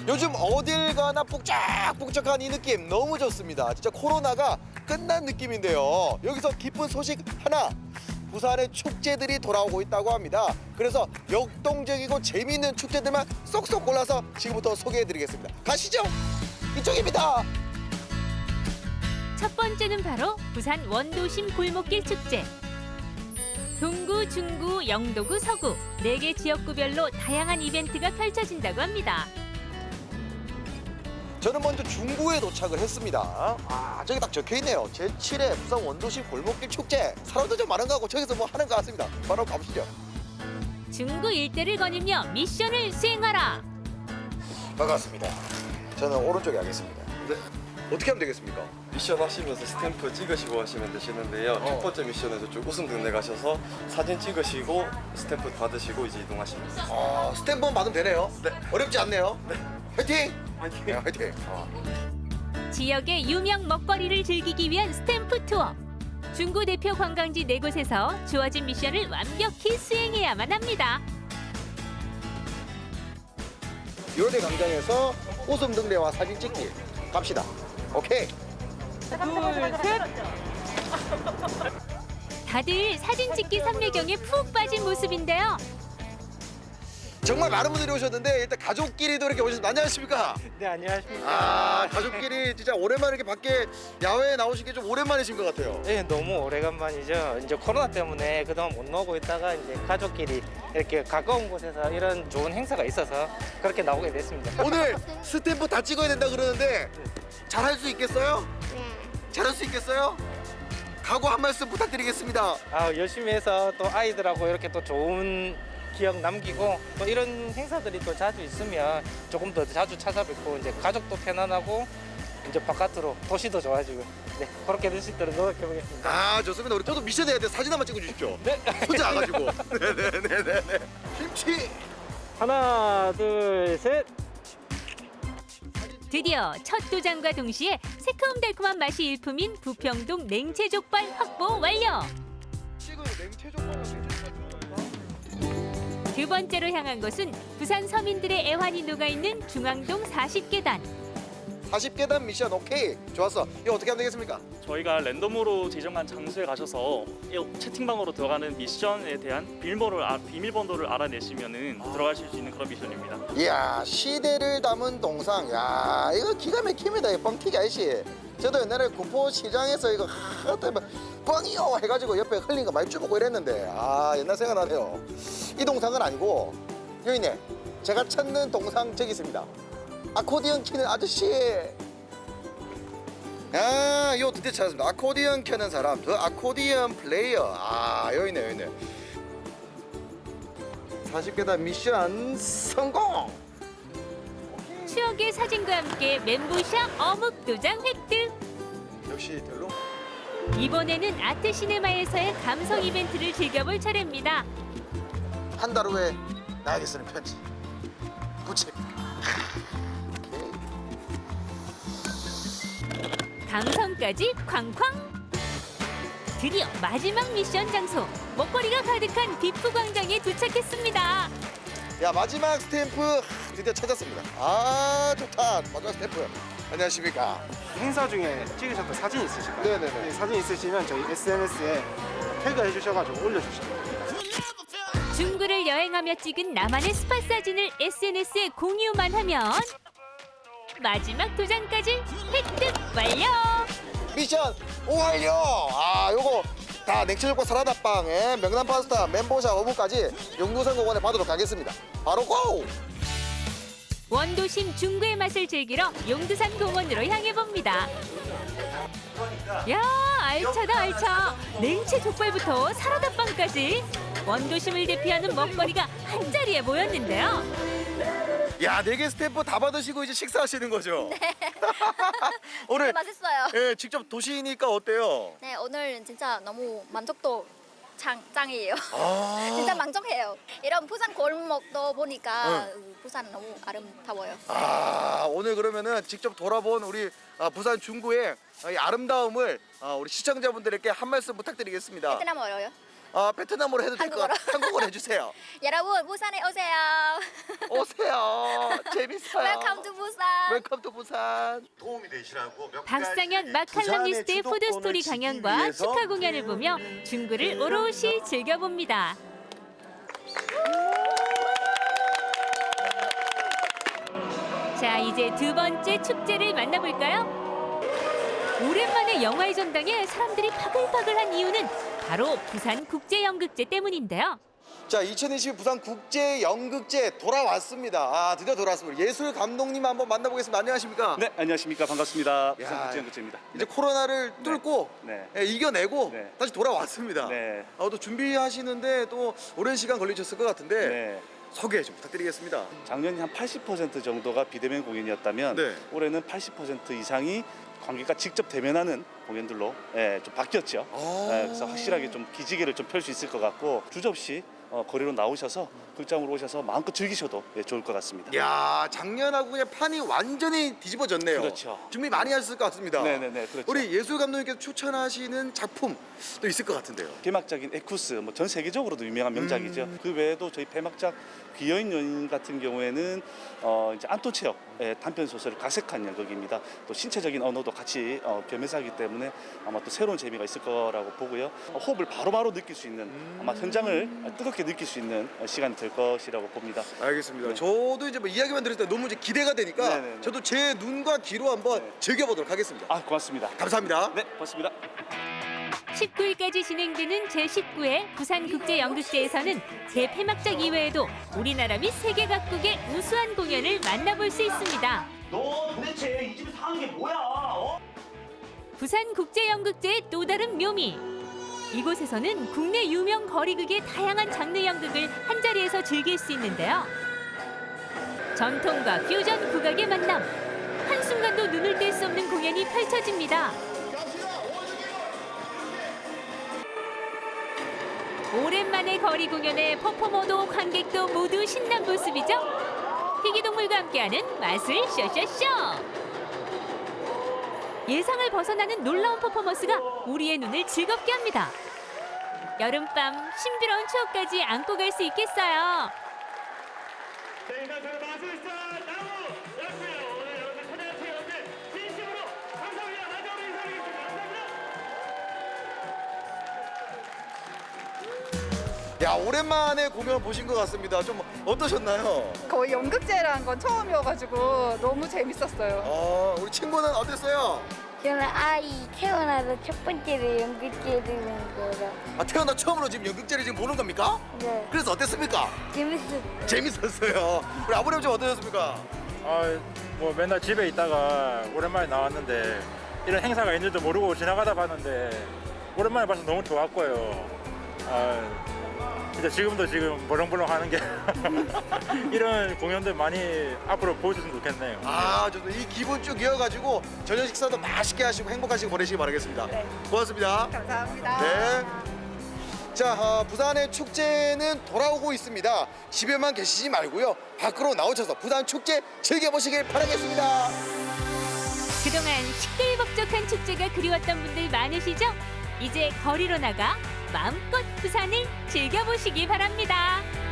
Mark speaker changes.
Speaker 1: 요즘 어딜 가나 북적북적한 이 느낌 너무 좋습니다. 진짜 코로나가 끝난 느낌인데요. 여기서 기쁜 소식 하나. 부산의 축제들이 돌아오고 있다고 합니다. 그래서 역동적이고 재미있는 축제들만 쏙쏙 골라서 지금부터 소개해드리겠습니다. 가시죠. 이쪽입니다.
Speaker 2: 첫 번째는 바로 부산 원도심 골목길 축제. 동구, 중구, 영도구, 서구 4개 지역구별로 다양한 이벤트가 펼쳐진다고 합니다.
Speaker 1: 저는 먼저 중구에 도착을 했습니다. 저기 딱 적혀있네요. 제7회 부산 원도심 골목길 축제. 사람도 좀 많은 거 같고 저기서 뭐 하는 것 같습니다. 바로 가보시죠.
Speaker 2: 중구 일대를 거니며 미션을 수행하라.
Speaker 1: 반갑습니다. 저는 오른쪽에 하겠습니다.
Speaker 3: 네.
Speaker 1: 어떻게 하면 되겠습니까?
Speaker 3: 미션 하시면서 스탬프 찍으시고 하시면 되시는데요. 첫 번째 미션에서 쭉 웃음 등대 가셔서 사진 찍으시고 스탬프 받으시고 이제 이동하시면 됩니다.
Speaker 1: 스탬프만 받으면 되네요.
Speaker 3: 네.
Speaker 1: 어렵지 않네요.
Speaker 3: 네.
Speaker 1: 화이팅!
Speaker 3: 화이팅!
Speaker 1: 네, 화이팅!
Speaker 2: 지역의 유명 먹거리를 즐기기 위한 스탬프 투어. 중구 대표 관광지 4곳에서 주어진 미션을 완벽히 수행해야만 합니다.
Speaker 1: 요대 광장에서 웃음 등대와 사진 찍기 갑시다. 오케이.
Speaker 2: 다들 사진 찍기 삼매경에 푹 빠진 모습인데요.
Speaker 1: 정말 많은 분들이 오셨는데 일단 가족끼리도 이렇게 오셨습니다. 안녕하십니까?
Speaker 4: 네, 안녕하십니까.
Speaker 1: 가족끼리 진짜 오랜만에 이렇게 밖에 야외에 나오신 게 좀 오랜만이신 것 같아요.
Speaker 4: 네, 너무 오래간만이죠. 이제 코로나 때문에 그동안 못 나오고 있다가 이제 가족끼리 이렇게 가까운 곳에서 이런 좋은 행사가 있어서 그렇게 나오게 됐습니다.
Speaker 1: 오늘 스탬프 다 찍어야 된다 그러는데 잘할 수 있겠어요? 잘할 수 있겠어요? 각오 한 말씀 부탁드리겠습니다.
Speaker 4: 열심히 해서 또 아이들하고 이렇게 또 좋은 기억 남기고 또 이런 행사들이 또 자주 있으면 조금 더 자주 찾아뵙고 이제 가족도 편안하고 이제 바깥으로 도시도 좋아지고 네, 그렇게 될 수 있도록 노력해 보겠습니다.
Speaker 1: 좋습니다. 우리 저도 미션 해야 돼. 사진 한번 찍어주십시오.
Speaker 4: 네.
Speaker 1: 혼자 와가지고. 네네네네. 김치.
Speaker 4: 하나, 둘, 셋.
Speaker 2: 드디어 첫 도전과 동시에 새콤달콤한 맛이 일품인 부평동 냉채족발 확보 완료.
Speaker 1: 찍어요. 냉채족발랑 냉채족발.
Speaker 2: 두 번째로 향한 곳은 부산 서민들의 애환이 녹아있는 중앙동 40계단.
Speaker 1: 40계단 미션 오케이. 좋았어. 이거 어떻게 하면 되겠습니까?
Speaker 5: 저희가 랜덤으로 지정한 장소에 가셔서 이 채팅방으로 들어가는 미션에 대한 비밀번호를 알아내시면은 들어가실 수 있는 그런 미션입니다.
Speaker 1: 이야, 시대를 담은 동상. 야, 이거 기가 막힙니다. 이 뻥튀기 아저씨. 저도 옛날에 군포시장에서 이거 뻥이요 해가지고 옆에 흘린 거 많이 쭈먹고 이랬는데 옛날 생각나네요. 이 동상은 아니고 여기 있네. 제가 찾는 동상 저기 있습니다. 아코디언 키는 아저씨. 이거 드디어 찾았습니다. 아코디언 켜는 사람, 더 아코디언 플레이어. 여기 있네, 여기 있네. 40계단 미션 성공!
Speaker 2: 추억의 사진과 함께 멘보샤 어묵 도장 획득.
Speaker 1: 역시 별로?
Speaker 2: 이번에는 아트 시네마에서의 감성 이벤트를 즐겨볼 차례입니다.
Speaker 1: 한 달 후에 나에게 쓰는 편지. 부채.
Speaker 2: 감성까지 쾅쾅. 드디어 마지막 미션 장소 먹거리가 가득한 비프 광장에 도착했습니다.
Speaker 1: 야, 마지막 스탬프 드디어 찾았습니다. 좋다. 마지막 스탬프. 안녕하십니까?
Speaker 6: 행사 중에 찍으셨던 사진 있으실까요?
Speaker 1: 네네네.
Speaker 6: 네, 사진 있으시면 저희 SNS에 태그해 주셔가지고 올려주시면 됩니다.
Speaker 2: 중구를 여행하며 찍은 나만의 스팟 사진을 SNS에 공유만 하면 마지막 도장까지 획득 완료!
Speaker 1: 미션 완료! 요거 다 냉채족발 사라다빵에 명란 파스타, 멘보샤 어묵까지 용두산공원에 받도록 하겠습니다. 바로 고!
Speaker 2: 원도심 중구의 맛을 즐기러 용두산 공원으로 향해 봅니다. 야, 알차다 알차. 냉채 족발부터 사라다빵까지 원도심을 대표하는 먹거리가 한 자리에 모였는데요.
Speaker 1: 야, 4개 스탬프 다 받으시고 이제 식사하시는 거죠? 네. 오늘
Speaker 7: 맛있어요.
Speaker 1: 직접 도시니까 어때요?
Speaker 7: 네, 오늘 진짜 너무 만족도 짱이에요. 진짜 만족해요. 이런 부산 골목도 보니까 부산 너무 아름다워요.
Speaker 1: 오늘 그러면은 직접 돌아본 우리 부산 중구의 이 아름다움을 우리 시청자분들에게 한 말씀 부탁드리겠습니다.
Speaker 7: 베트남 어려요?
Speaker 1: 베트남어로 해도 될 것 같아요. 한국어로 해주세요.
Speaker 7: 여러분 부산에 오세요.
Speaker 1: 오세요. 재밌어요.
Speaker 7: Welcome to
Speaker 1: 웰컴 투 부산.
Speaker 8: 도움이 되시라고 몇
Speaker 2: 박상현
Speaker 8: 가지
Speaker 2: 마칼럼니스트의
Speaker 8: 부산의
Speaker 2: 푸드스토리
Speaker 8: 주도권을
Speaker 2: 강연과
Speaker 8: 지키기 위해서
Speaker 2: 축하 공연을 보며 중구를 오롯이 즐겨봅니다. 자, 이제 두 번째 축제를 만나볼까요? 오랜만에 영화의 전당에 사람들이 바글바글한 이유는 바로 부산 국제연극제 때문인데요.
Speaker 1: 자, 2022 부산 국제 연극제 돌아왔습니다. 아, 드디어 돌아왔습니다. 예술 감독님 한번 만나보겠습니다. 안녕하십니까?
Speaker 9: 네, 안녕하십니까. 반갑습니다.
Speaker 1: 야,
Speaker 9: 부산국제연극제입니다.
Speaker 1: 이제 코로나를 뚫고
Speaker 9: 네.
Speaker 1: 예, 이겨내고
Speaker 9: 네.
Speaker 1: 다시 돌아왔습니다.
Speaker 9: 네.
Speaker 1: 또 준비하시는데 또 오랜 시간 걸리셨을 것 같은데
Speaker 9: 네.
Speaker 1: 소개 좀 부탁드리겠습니다.
Speaker 9: 작년에 한 80% 정도가 비대면 공연이었다면
Speaker 1: 네.
Speaker 9: 올해는 80% 이상이 관객과 직접 대면하는 공연들로 좀 바뀌었죠. 그래서 확실하게 좀 기지개를 좀 펼 수 있을 것 같고 주저없이 거리로 나오셔서 극장으로 오셔서 마음껏 즐기셔도 좋을 것 같습니다.
Speaker 1: 야, 작년하고 그냥 판이 완전히 뒤집어졌네요.
Speaker 9: 그렇죠.
Speaker 1: 준비 많이 하셨을 것 같습니다.
Speaker 9: 네네네, 그렇죠.
Speaker 1: 우리 예술 감독님께서 추천하시는 작품 또 있을 것 같은데요.
Speaker 9: 개막작인 에쿠스, 뭐 전 세계적으로도 유명한 명작이죠. 그 외에도 저희 폐막작 귀여인 연인 같은 경우에는 이제 안톤 체역 단편 소설을 각색한 연극입니다. 또 신체적인 언어도 같이 겸해서 하기 때문에 아마 또 새로운 재미가 있을 거라고 보고요. 호흡을 바로바로 느낄 수 있는 아마 현장을 뜨겁게 느낄 수 있는 시간이 될 것이라고 봅니다.
Speaker 1: 알겠습니다.
Speaker 9: 네.
Speaker 1: 저도 이제 뭐 이야기만 들을 때 너무 이제 기대가 되니까
Speaker 9: 네네네.
Speaker 1: 저도 제 눈과 귀로 한번
Speaker 9: 네.
Speaker 1: 즐겨보도록 하겠습니다.
Speaker 9: 아, 고맙습니다.
Speaker 1: 감사합니다.
Speaker 9: 네, 고맙습니다.
Speaker 2: 19일까지 진행되는 제19회 부산국제연극제에서는 대폐막작 이외에도 우리나라 및 세계 각국의 우수한 공연을 만나볼 수 있습니다.
Speaker 10: 너 도대체 이 집에서 하는 게 뭐야?
Speaker 2: 부산국제연극제의 또 다른 묘미. 이곳에서는 국내 유명 거리극의 다양한 장르 연극을 한자리에서 즐길 수 있는데요. 전통과 퓨전 국악의 만남. 한순간도 눈을 뗄 수 없는 공연이 펼쳐집니다. 오랜만에 거리 공연에 퍼포머도 관객도 모두 신난 모습이죠. 희귀동물과 함께하는 마술 쇼쇼쇼. 예상을 벗어나는 놀라운 퍼포먼스가 우리의 눈을 즐겁게 합니다. 여름밤 신비로운 추억까지 안고 갈 수 있겠어요.
Speaker 10: 마술사 나무 였고요. 오늘 여러분들 찾아주신 여러분들 진심으로 감사합니다. 마지막으로 인사드리겠습니다. 감사합니다.
Speaker 1: 야, 오랜만에 공연 보신 것 같습니다. 좀 어떠셨나요?
Speaker 11: 거의 연극제라는 건 처음이어가지고 너무 재밌었어요.
Speaker 1: 우리 친구는 어땠어요?
Speaker 12: 저는 아이 태어나서 첫 번째로 연극제를 본 거라.
Speaker 1: 태어나 처음으로 지금 연극제를 지금 보는 겁니까?
Speaker 12: 네,
Speaker 1: 그래서 어땠습니까?
Speaker 12: 재밌었어요.
Speaker 1: 재밌었어요. 우리 아버님 좀 어떠셨습니까?
Speaker 6: 뭐 맨날 집에 있다가 오랜만에 나왔는데 이런 행사가 있는지도 모르고 지나가다 봤는데 오랜만에 봐서 너무 좋았고요. 진짜 지금도 지금 버렁버렁 하는 게 이런 공연들 많이 앞으로 보여줬으면 좋겠네요.
Speaker 1: 저도 이 기분 쭉 이어가지고 저녁 식사도 맛있게 하시고 행복하시고 보내시기 바라겠습니다.
Speaker 11: 네.
Speaker 1: 고맙습니다.
Speaker 11: 감사합니다.
Speaker 1: 네. 자, 부산의 축제는 돌아오고 있습니다. 집에만 계시지 말고요. 밖으로 나오셔서 부산 축제 즐겨보시길 바라겠습니다.
Speaker 2: 그동안 시끌벅적한 축제가 그리웠던 분들 많으시죠? 이제 거리로 나가 마음껏 부산을 즐겨보시기 바랍니다.